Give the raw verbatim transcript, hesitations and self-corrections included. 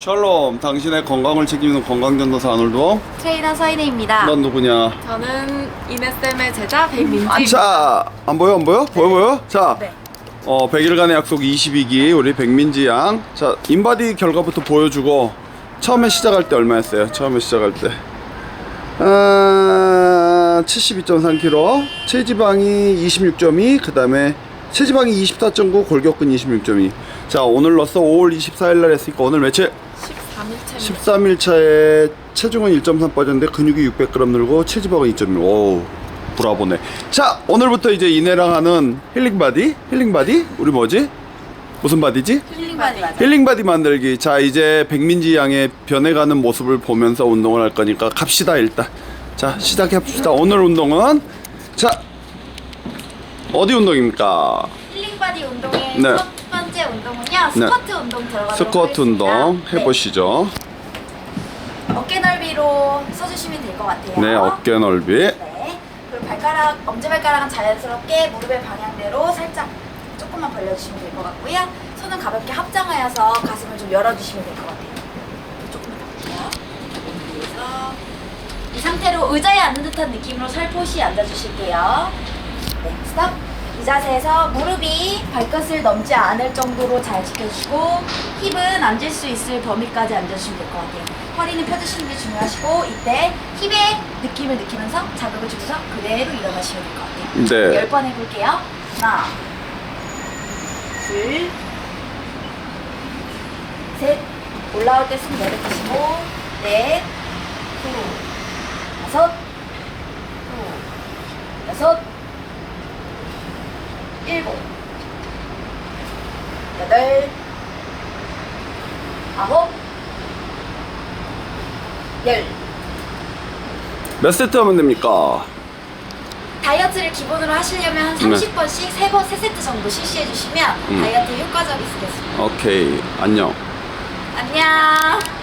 샬롬, 당신의 건강을 책임지는 건강전도사 안울동. 트레이너 서인혜입니다. 넌 누구냐? 저는 이네쌤의 제자 백민지. 자, 안 보여, 안 보여? 보여, 보여? 자, 네. 어, 백 일간의 약속 이십이 기 우리 백민지 양. 자, 인바디 결과부터 보여주고, 처음에 시작할 때 얼마였어요? 처음에 시작할 때. 아, 칠십이 점 삼 킬로그램, 체지방이 이십육 점 이, 그 다음에 체지방이 이십사 점 구, 골격근 이십육 점 이. 자, 오늘로써 오월 이십사일 날 했으니까 오늘 며칠? 십삼 일차. 십삼 일 차에 체중은 일 점 삼 빠졌는데 근육이 육백 그램 늘고 체지방은 이 점 일. 오우, 브라보네. 자, 오늘부터 이제 이내랑 하는 힐링바디? 힐링바디? 우리 뭐지? 무슨 바디지? 힐링바디 맞아. 힐링바디 만들기. 자, 이제 백민지 양의 변해가는 모습을 보면서 운동을 할 거니까 갑시다 일단. 자, 시작해봅시다. 오늘 운동은, 자, 어디 운동입니까? 힐링바디 운동의 네. 첫 번째 운동은요, 스쿼트 운동 들어가도록 스쿼트 하겠습니다. 운동 네. 해보시죠. 어깨 넓이로 서주시면 될 것 같아요. 네, 어깨 넓이. 네. 그리고 발가락, 엄지발가락은 자연스럽게 무릎의 방향대로 살짝 조금만 벌려주시면 될 것 같고요. 손은 가볍게 합장하여서 가슴을 좀 열어주시면 될 것 같아요. 조금만 더 볼게요. 그래서 이 상태로 의자에 앉는 듯한 느낌으로 살포시 앉아주실게요. 네, 스톱. 이 자세에서 무릎이 발끝을 넘지 않을 정도로 잘 지켜주시고 힙은 앉을 수 있을 범위까지 앉아주시면 될 것 같아요. 허리는 펴주시는 게 중요하시고 이때 힙의 느낌을 느끼면서 자극을 주면서 그대로 일어나시면 될 것 같아요. 네. 열 번 해볼게요. 하나, 둘, 셋. 올라올 때 숨 내뱉으시고 넷, 후, 다섯, 후, 여섯, 일곱, 여덟, 아홉, 열. 몇 세트 하면 됩니까? 다이어트를 기본으로 하시려면 한 삼십 번씩 세 번, 세 세트 정도 실시해 주시면 음. 다이어트에 효과적이시겠습니다. 오케이, 안녕. 안녕.